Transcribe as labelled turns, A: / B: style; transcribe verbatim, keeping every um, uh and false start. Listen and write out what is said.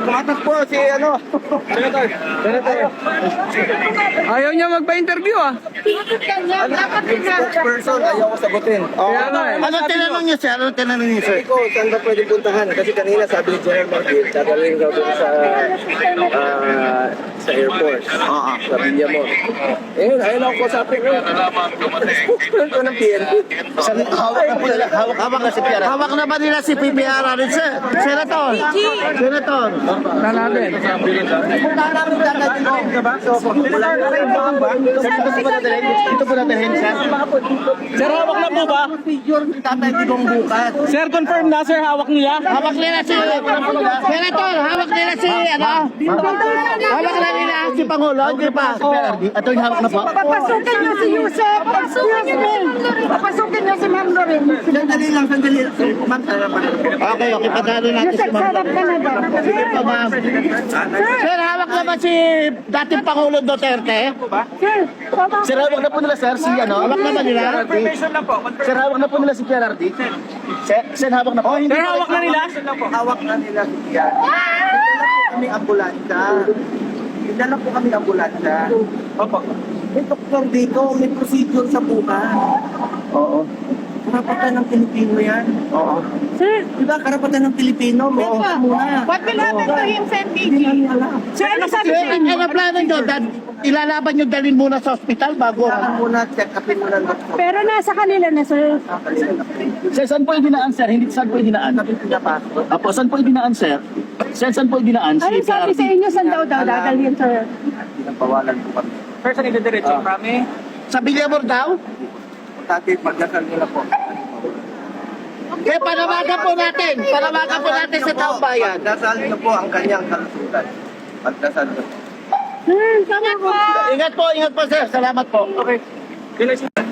A: Tumatakbo si ano. Senator. Senator.
B: Ayaw niya magpa-interview ah.
A: Spokesperson, ayaw ko sagutin. Oh,
B: Kaya nga eh.
C: Ano tinanong niyo sir? Ano tinanong niyo sir?
A: Sabi ko, saan ba pwede puntahan? Kasi kanina sabi ni General Martin, dadalhin daw doon sa ah, sa airport.
C: Oo.
A: Sa Villamor. Eh, ayun ako kasapin ko. Spokesperson ko ng P N P.
C: Saan, hawak na po nila, hawak, hawak na si P R. Hawak na ba nila si P P R rin sir? Senator. Senator.
B: Na natin.
C: Ito po natin sir.
B: Sir, hawak na po ba?
C: Tatay Digong bukas.
B: Sir, confirm na sir, hawak nila?
C: Hawak nila si Senator, hawak nila si ano? Hawak na nila si Pangulo, di ba? Ito yung hawak na po.
D: Papasukin niyo si Yusef! Papasukin niyo din! Papasukin niyo si Ma'am Loren!
C: Sandali lang, sandali. Ma'am, okay, okay, padalo natin si
D: Yusef,
C: Ma'am.
D: sarap ka na ba?
C: Sige po, ma'am. Sir, hawak na ba si dating Pangulo Duterte?
D: Sir, papa.
C: Sir, hawak na po nila, sir, si ano? Hawak na ba nila? Sir, hawak na po nila si P R D? Sir, sir, hawak na po.
B: Sir, hawak na nila?
A: Hawak na nila si Yan. Dala po kami ambulansya. Dala po kami ambulansya. Opo. May doktor dito, may procedure sa buka. Oo. Karapatan ng Pilipino yan. Oo.
D: Sir,
A: Diba karapatan ng Pilipino? Meron ka muna.
D: what will happen to him, Sir
A: Hindi
D: Vicky?
A: namin alam.
D: Sir, ano sabi
C: Sir,
D: sa inyo?
C: ano plano nyo? Dad- Ilalaban nyo dalhin muna sa ospital bago.
A: Kailangan muna check upin muna ng doktor.
D: Pero nasa kanila na, sir.
C: Sir, saan po yung dinaan, sir? Hindi saan po yung dinaan?
A: Sabi ko niya passport.
C: Apo, saan po yung dinaan, sir? Sir, saan po yung dinaan?
D: Ano sabi sa inyo? Saan daw daw dadalhin, sir?
A: Pinapawalan po kami.
B: Sir, saan ito-diretso? Prami?
C: Sa Villamor daw?
A: Dati pagdasal nila po.
C: Kaya panawagan po natin. Panawagan po natin sa taong bayan.
A: Pagdasal niyo po ang kanyang kalusugan. Pagdasal niyo.
D: Sir, tama po.
C: Ingat po, ingat po, sir. Salamat po.
B: Okay.